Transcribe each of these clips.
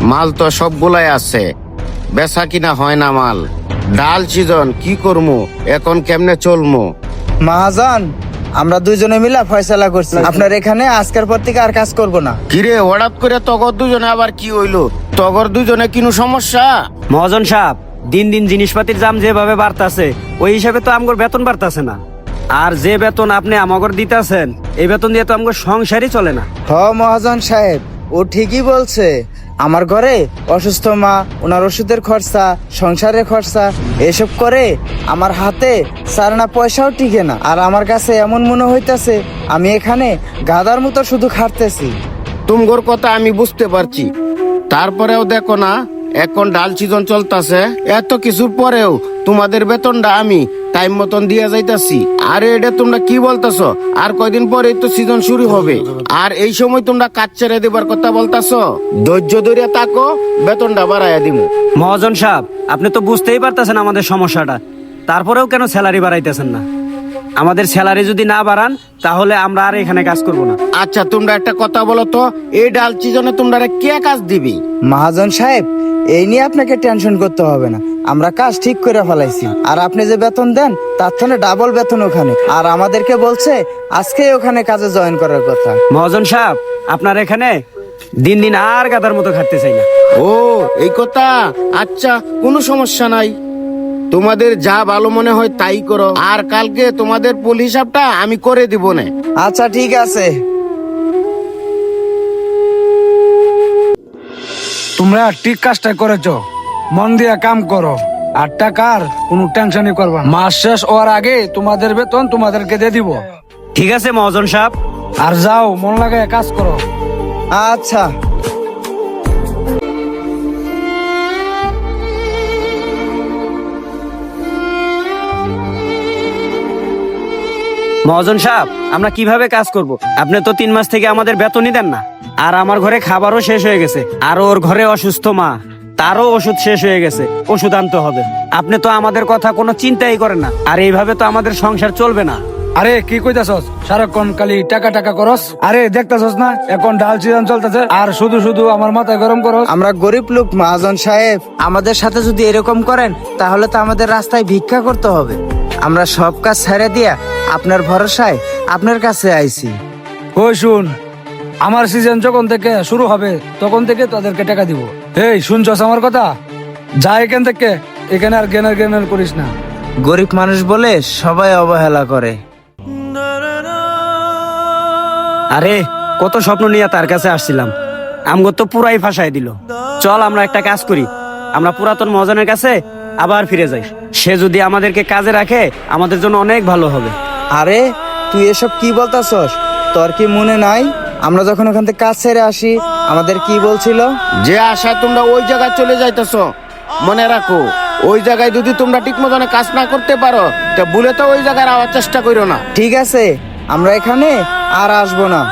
মাল তো সবগুলাই আছে, বেচা কিনা হয় না মাল। ডাল সিজন কি করমু, এখন কেমনে চলমু? মহাজন, আমরা দুইজনে মিলা ফয়সালা করছি আপনার এখানে আজকের পর থেকে আর কাজ করব না। কিরে হঠাৎ করে তগর দুজনে আবার কি হইলো? তগর দুজনে কিনু সমস্যা? মহাজন সাহেব, দিন দিন জিনিসপাতির দাম যেভাবে বাড়তাছে ওই হিসাবে তো আমগর বেতন বাড়তাছে না। আর যে বেতন আপনি আমাগর দিতাছেন এই বেতন দিয়ে তো আমগর সংসারই চলে না। হ মহাজন সাহেব, ও ঠিকই বলছে। আমার ঘরে অসুস্থ মা, ওনার ওষুধের খরচা, সংসারের খরচা এসব করে আমার হাতে সারনা পয়সাও টিকে না। আর আমার কাছে এমন মনে হইতাছে আমি এখানে গাদার মতো শুধু খাটতেছি। তুমগোর কথা আমি বুঝতে পারছি, তারপরেও দেখো না এখন ডাল সিজন চলতেছে, এত কিছুর পরেও তোমাদের বেতনটা আমি টাইম মতন দিয়ে যাইতাছি। আরে এটা তোমরা কি বলতেছ? আর কয়দিন পরেই তো সিজন শুরু হবে, আর এই সময় তোমরা কাজ ছেড়ে দেবার কথা বলতেছ। ধৈর্য ধরে তাকো, বেতনটা বাড়াইয়া দিমু। মহাজন সাহেব, আপনি তো বুঝতেই পারতেছেন আমাদের সমস্যাটা, তারপরেও কেন স্যালারি বাড়াইতেছেন না? আমাদের স্যালারি যদি না বাড়ান তাহলে আমরা আর এখানে কাজ করব না। আচ্ছা তোমরা একটা কথা বলো তো, এই ডাল সিজনে তোমরা কে কাজ দিবি? মহাজন সাহেব, এই নিয়ে আপনাকে টেনশন করতে হবে না, আমরা কাজ ঠিক করে ফেলাইছি। আর আপনি যে বেতন দেন তার থেকে ডাবল বেতন ওখানে। আর আমাদেরকে বলছে আজকে ওখানে কাজে জয়েন করার কথা। মহাজন সাহেব, আপনার এখানে দিন দিন আর গাদার মতো খাটতে চাই না। ও এই কথা, আচ্ছা কোনো সমস্যা নাই, তোমাদের যা ভালো মনে হয় তাই করো। আর কালকে তোমাদের পুল হিসাবটা আমি করে দিব না। আচ্ছা ঠিক আছে। তোমরা ঠিক কাজটা করেছো, মন দিয়া কাম করো। আর টাকার কোনো টেনশনই করবা না। মাস শেষ হওয়ার আগে তোমাদের বেতন তোমাদেরকে দিয়ে দিব। ঠিক আছে মহাজন সাহেব। আর যাও, মন লাগায় কাজ করো। আচ্ছা। মহাজন সাহেব, আমরা কিভাবে কাজ করব? আপনি তো 3 মাস থেকে আমাদের বেতনই দেন না। আর আমার ঘরে খাবারও শেষ হয়ে গেছে, আর ওর ঘরে অসুস্থ মা, তারও ওষুধ শেষ হয়ে গেছে, ওষুধ আনতে হবে। আপনি তো আমাদের কথা কোনো চিন্তাই করেন না, আর এইভাবে তো আমাদের সংসার চলবে না। আরে কি কইতাছস? সারাক্ষণ খালি টাকা টাকা করস। আরে দেখতাছস না এখন ডাল সিজন চলতেছে, আর শুধু শুধু আমার মাথায় গরম করস। আমরা গরিব লোক মহাজন সাহেব, আমাদের সাথে যদি এরকম করেন তাহলে তো আমাদের রাস্তায় ভিক্ষা করতে হবে। আমরা সব কাজ ছেড়ে দিয়া আপনার ভরসায় আপনার কাছে আইছি। ওই শুন, আমার সিজন যখন থেকে শুরু হবে তখন থেকে তাদেরকে টাকা দিব। এই শুনছস আমার কথা? যা এখান থেকে, এখানে আর জ্ঞানের জ্ঞানের করিস না। গরিব মানুষ বলে সবাই অবহেলা করে। আরে কত স্বপ্ন নিয়ে তার কাছে আসছিলাম, আমগো তো পুরাই ফাঁসাই দিল। চল আমরা একটা কাজ করি, আমরা পুরাতন মহাজনের কাছে আবার ফিরে যাই। সে যদি আমাদেরকে কাজে রাখে আমাদের জন্য অনেক ভালো হবে। আরে তুই এসব কি বলতাছস? তোর কি মনে নাই আমরা যখন ওখান থেকে কাজ ছেড়ে আসি আমাদের কি বলছিল? যে আশায় তোমরা ওই জায়গায় চলে যাইতেছ, মনে রাখো ওই জায়গায় যদি তোমরা ঠিক মতন কাজ না করতে পারো তা ভুলে তো ওই জায়গায় আওয়ার চেষ্টা করো না। ঠিক আছে, আমরা এখানে আর আসবো না।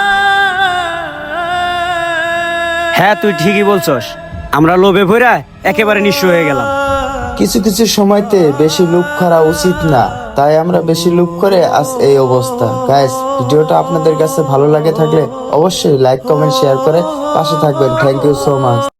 হ্যাঁ তুই ঠিকই বলছস, আমরা লোভে ভরা একেবারে নিঃস্ব হয়ে গেলাম। কিছু কিছু সময়তে বেশি লোভ করা উচিত না, তাই আমরা বেশি লোভ করে আজ এই অবস্থা। গাইস, ভিডিওটা আপনাদের কাছে ভালো লাগে থাকলে অবশ্যই লাইক কমেন্ট শেয়ার করে পাশে থাকবেন। Thank you so much.